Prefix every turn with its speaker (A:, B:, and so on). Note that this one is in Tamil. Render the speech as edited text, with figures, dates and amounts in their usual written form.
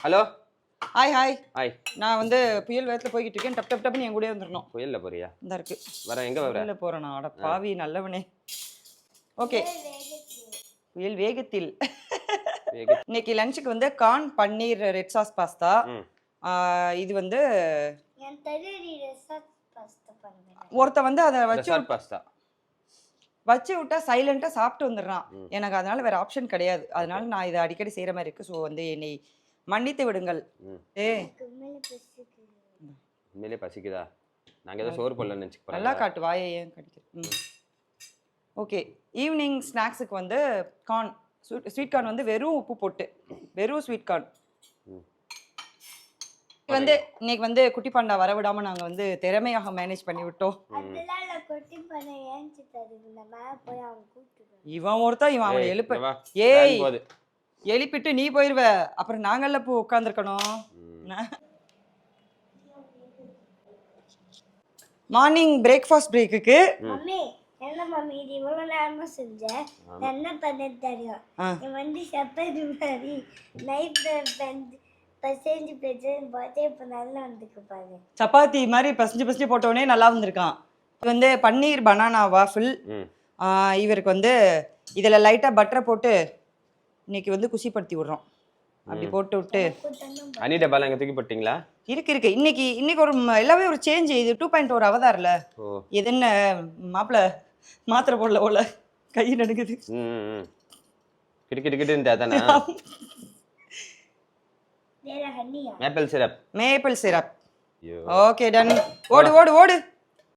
A: Hello
B: hi hi
A: hi.
B: நான் வந்து புயல் வேகத்தில் போய்கிட்டு இருக்கேன். டப் டப் டப்னு என் கூடயே வந்துடணும்.
A: புயல்ல போறியா?
B: இந்த இருக்கு
A: வர எங்க வர?
B: புயல்ல போறேன் நான். அட பாவி நல்லவனே. ஓகே, புயல் வேகத்தில். இன்னைக்கு லஞ்சுக்கு வந்து corn paneer red sauce pasta. இது வந்து ஒருத்த வந்து அதை வச்சு விட்டா சைலண்டா சாப்பிட்டு வந்துடுறான். எனக்கு அதனால வேற ஆப்ஷன் கிடையாது. அதனால நான் இதை அடிக்கடி செய்யற மாதிரி இருக்கு. ஸோ வந்து என்னை மன்னித்து விடுங்கள்.
A: உண்மையிலே பசிக்குதா? நாங்க ஏதோ சோறு போடலன்னு நினைச்சுக்கிறோம்.
B: நல்லா காட்டு வாயை ஏன் கடிக்கிற. ஓகே, ஈவினிங் ஸ்நாக்ஸுக்கு வந்து கார்ன் ஸ்வீட் கார்ன் வந்து வெறும் உப்பு போட்டு வெறும் ஸ்வீட் கார்ன் வந்து இன்னைக்கு வந்து குட்டி பாண்டா வரவிடாம நாங்க வந்து திறமையாக மேனேஜ் பண்ணி விட்டோம். இவன் ஒருத்தன் இவன் அவனை எழுப்ப ஏய் எழுப்பிட்டு நீ போயிருவ, அப்புறம் நாங்கள்ல போ உட்காந்துருக்கணும். மார்னிங் பிரேக்ஃபாஸ்ட் பிரேக்குக்கு
C: என்ன மம்மி இது இவ்வளவு நேரமா செஞ்ச என்ன பண்ண தெரியும். நீ வந்து சப்பாத்தி மாதிரி நைட் பசேஞ்சு பார்த்தே இப்போ நல்லா வந்துருக்கு பாரு.
B: சப்பாத்தி மாதிரி பசஞ்சு போட்டோடனே நல்லா வந்திருக்கான். இது வந்து பன்னீர் பனானா வாஃபில். இவருக்கு வந்து இதில் லைட்டாக பட்டரை போட்டு இன்னைக்கு வந்து குசிப்படுத்தி விடுறோம். அப்படி போட்டு விட்டு
A: அனி டப்பால எங்க தூக்கி போட்டீங்களா?
B: இருக்கு இன்னைக்கு ஒரு எல்லாமே ஒரு சேஞ்ச். இது 2.1 அவதார்ல. இது என்ன மாப்பிள்ள மாத்திரை போடல போல கை நடுக்குது.
A: Maple syrup.
B: Okay done. ஓடு